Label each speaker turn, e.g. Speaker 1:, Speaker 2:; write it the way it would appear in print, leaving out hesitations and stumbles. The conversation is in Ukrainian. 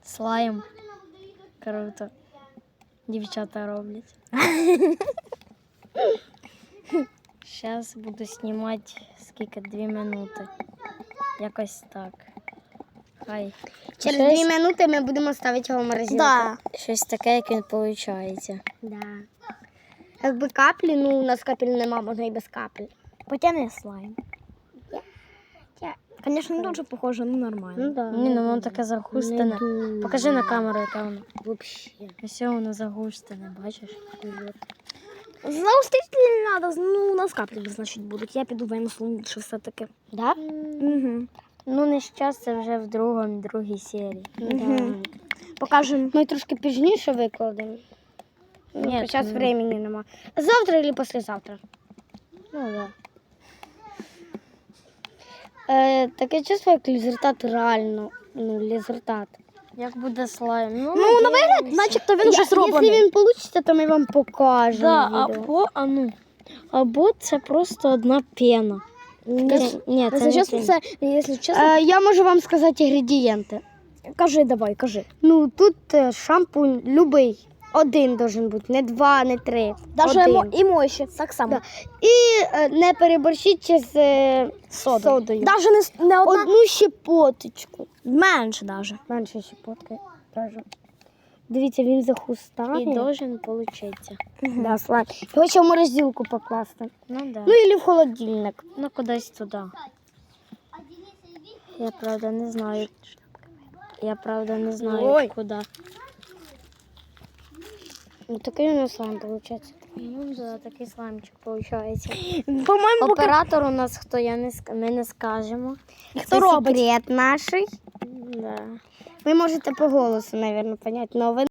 Speaker 1: Слайм. Круто. Дівчата роблять. Зараз буду знімати скільки 2 минути. Якось так. Хай.
Speaker 2: Через
Speaker 1: Щось-
Speaker 2: 2 минути ми будемо ставити його в морозилку.
Speaker 1: Да. Щось таке, як він виходить.
Speaker 2: Да. Якби каплі, ну у нас капель нема, можна і без капель.
Speaker 3: Потягни слайм. Звісно, не дуже похоже, ну нормально.
Speaker 2: да.
Speaker 1: Ні, ну воно таке загустене. Покажи на камеру, яке воно.
Speaker 2: Вообще.
Speaker 1: Ось воно загустене, бачиш?
Speaker 3: Заустрити не треба, ну у нас каплі, значить, будуть. Я піду вимислю, що все-таки.
Speaker 2: Да?
Speaker 3: Угу.
Speaker 1: Ну, не зараз, це вже в другій серії.
Speaker 2: Да.
Speaker 3: Покажемо.
Speaker 2: Ми трошки пізніше викладемо.
Speaker 1: Ні,
Speaker 2: Зараз
Speaker 1: ну.
Speaker 2: времени нема. Завтра або післязавтра.
Speaker 1: Ну, так. Да.
Speaker 2: Таке чувство, як результат реально. Ну, результат.
Speaker 1: Як буде слайм?
Speaker 3: Ну, на вигляд, начебто він вже зроблений.
Speaker 2: Якщо він вийде, то ми вам покажемо.
Speaker 1: Да,
Speaker 2: відео.
Speaker 1: або це просто одна пена. Ні, це
Speaker 3: Якщо
Speaker 1: не
Speaker 3: чесно,
Speaker 1: пена.
Speaker 3: це, якщо чесно,
Speaker 2: Я можу вам сказати інгредієнти.
Speaker 3: кажи, давай, кажи.
Speaker 2: Ну, тут шампунь любий. Один должен бути, не 2, не 3.
Speaker 3: Даже
Speaker 2: Один.
Speaker 3: і мощі, так само.
Speaker 2: Да. І не переборщіть з содою.
Speaker 3: Даже не одна,
Speaker 2: Одну щепоточку.
Speaker 3: менше даже.
Speaker 2: Менше щепотки. Кажу. Дивіться, він захустає.
Speaker 1: І должен получиться.
Speaker 2: Да, слайм. Його ще в морозилку покласти.
Speaker 1: Ну, да.
Speaker 2: Ну, і в холодильник.
Speaker 1: Ну, кудись туди. Я правда не знаю.
Speaker 3: Ой.
Speaker 1: Куди.
Speaker 2: Ну, такий у нас слайм виходить.
Speaker 1: Ну, да, такий слаймчик виходить.
Speaker 3: По-моєму, поки...
Speaker 1: Оператор у нас хто, ми не скажемо.
Speaker 2: Хто робить? Секрет наш.
Speaker 1: Да.
Speaker 2: Ви можете по голосу, мабуть, поняти, але ви